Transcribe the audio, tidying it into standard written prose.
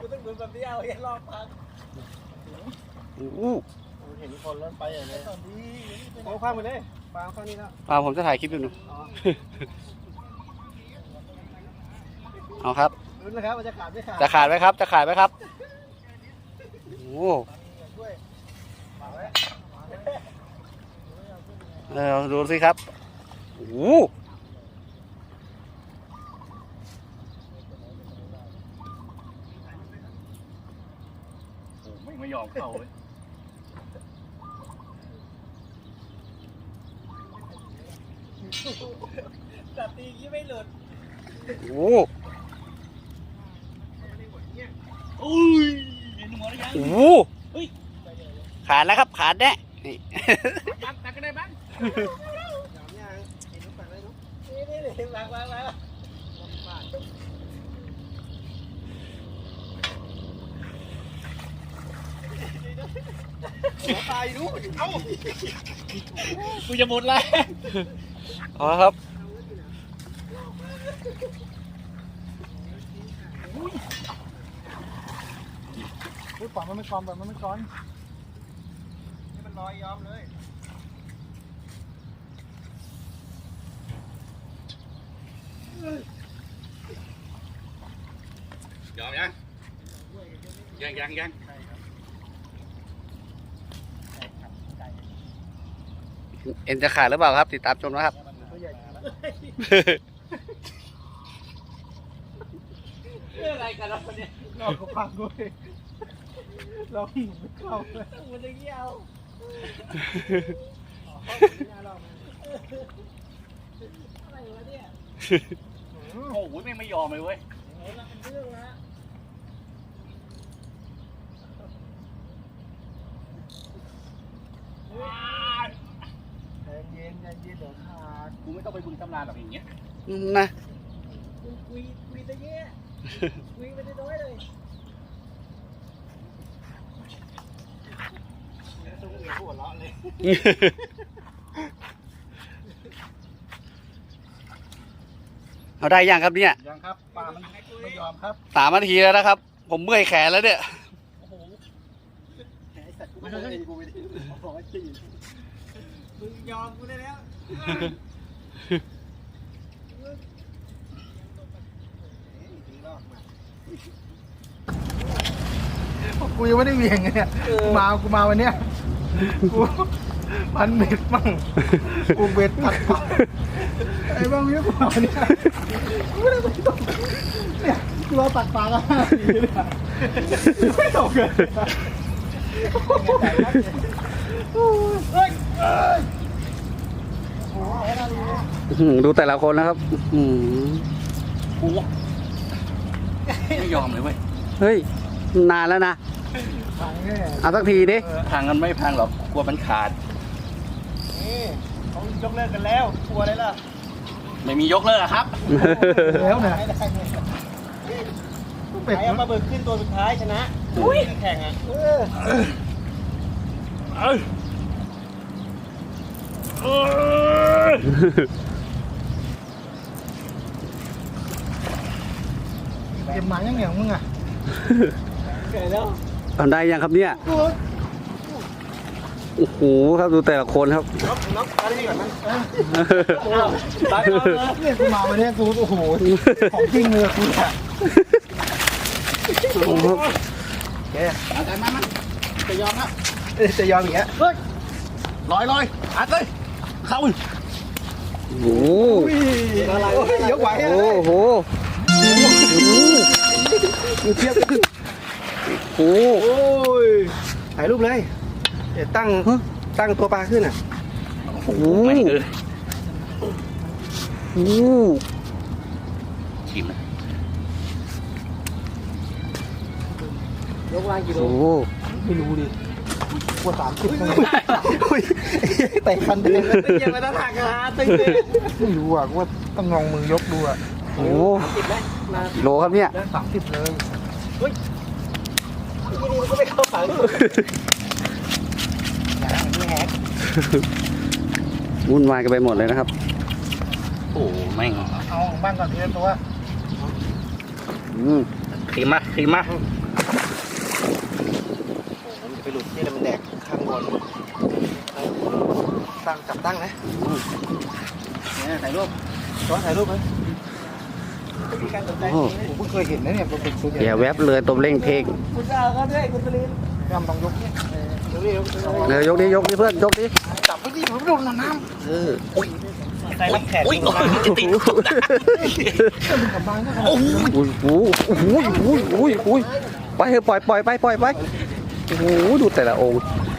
กูต้องดูแบบนี้เอาเห็นรอบพักเห็นคนล้นไปอย่างนี้ตอนนี้เอาข้ามไปเลยปางข้างนี้แล้วผมจะถ่ายคลิปอยู่เอาครับลุ้นนะครับว่าจะขาดไม่ขาดจะขาดไหมครับจะขาดไหมครับโอ้ดูสิครับโอ้ไม่ยอมเข้าเลยจับตีกี้ไม่หลุดโอ้โหขาดแล้วครับขาดแน่ตักก็ได้บ้างนี่วางตายรู้เอ้ากูจะหมดแล้วเอาครับปล่อยมันไม่ก่อนแบบมันไม่ก่อนนี่มันลอยยอมเลยยอมยังเอ็นจะขาดหรือเปล่าครับติดตามชมนะครับอะไรกันเราเนี่ยเราก็พังด้วยเราไม่เข้าเลยมันจะเกี่ยวอะไรวะเนี่ยโอ้โหไม่ยอมเลยเว้ยเย็นเดี๋ยวขาดกูไม่ต้องไปบึงตำนานแบบอย่างเงี้ยนะคุยตะเงี้ยคุยไปได้น้อยเลยต้องเอือหัวเราะเลยเอาได้ยังครับเนี่ยยังครับปลามันไม่ยอมครับ 3 นาทีแล้วนะครับผมเมื่อยแขนแล้วเนี่ยโอ้โหไอ้สัตว์กูไม่ได้กูไม่ได้บอกว่าจริงมึงยอมกูได้แล้วกูยังไม่ได้เวียงไงเนี่ยกูมาวันเนี้ยกูพันเบ็ดบ้างกูเบ็ดตัดปลาไอ้บ้างเยอะกว่าเนี่ยกูไม่ได้ไปตกเนี่ยกูรอตัดปลาแล้วไม่ตกเลยดูแต่ละคนนะครับกูไม่ยอมเลยเว้ยเฮ้ยนานแล้วนะเอาสักทีดิพังกันไม่พังหรอกกลัวมันขาดนี่เขายกเลิกกันแล้วกลัวอะไรล่ะไม่มียกเลิกครับแล้วนะใครเอามาเบิกขึ้นตัวสุดท้ายชนะแข่งอ่ะเก็บหมายังเหนียวมึงอ่ะเกิดแล้วทำได้ยังครับเนี่ยโอ้โหครับดูแต่ละคนครับน็อกอะไรก่อนมั้งตายแล้วเนี่ยกูมาวันนี้กูโอ้โหของจริงเลยกูอ่ะโอ้โหแกอาจารย์มาจะยอมครับจะยอมอย่างเงี้ยลอยอัดเลยเข้าโอ้โหยกไหวโอ้โหเทียบโอ้ยถ่ายรูปเลยเดี๋ยวตั้งตัวปลาขึ้นอ่ะโอ้โหชิมนะยกล่างกี่โลไม่รู้ดิกว่า30แต่คันเดินเกี่ยวกับหน้าทางกันฮะตึ้งไม่รู้อ่ะว่าต้องลองมือยกดูอ่ะโอ้โลครับเนี่ย 30เลยเฮ้ยที่นี่มันก็ไม่เข้าฝังวุ่นวายกันไปหมดเลยนะครับโอ้แม่งเอาบ้านก่อนทีละตัวขีมาไปหลุดนี่มันแดกข้างบนตั้งจับตั้งนะเนี่ยถ่ายรูปช้อนถ่ายรูปไหมมีการสนใจผมเพิ่งเคยเห็นนะเนี่ยเป็นตัวใหญ่เดี๋ยวแวบเลยตบเร่งเพลงคุณจ้าก็ด้วยคุณตลินกำต้องยกเนี่ยเร็วเดี๋ยวยกดิเพื่อนยกดิจับไปดิผมโดนน้ำเออใส่รับแขกอุ้ยจะติดกับดักโอ้โหอุ้ยไปเถอะปล่อยไปโอ้โหดูแต่ละองค์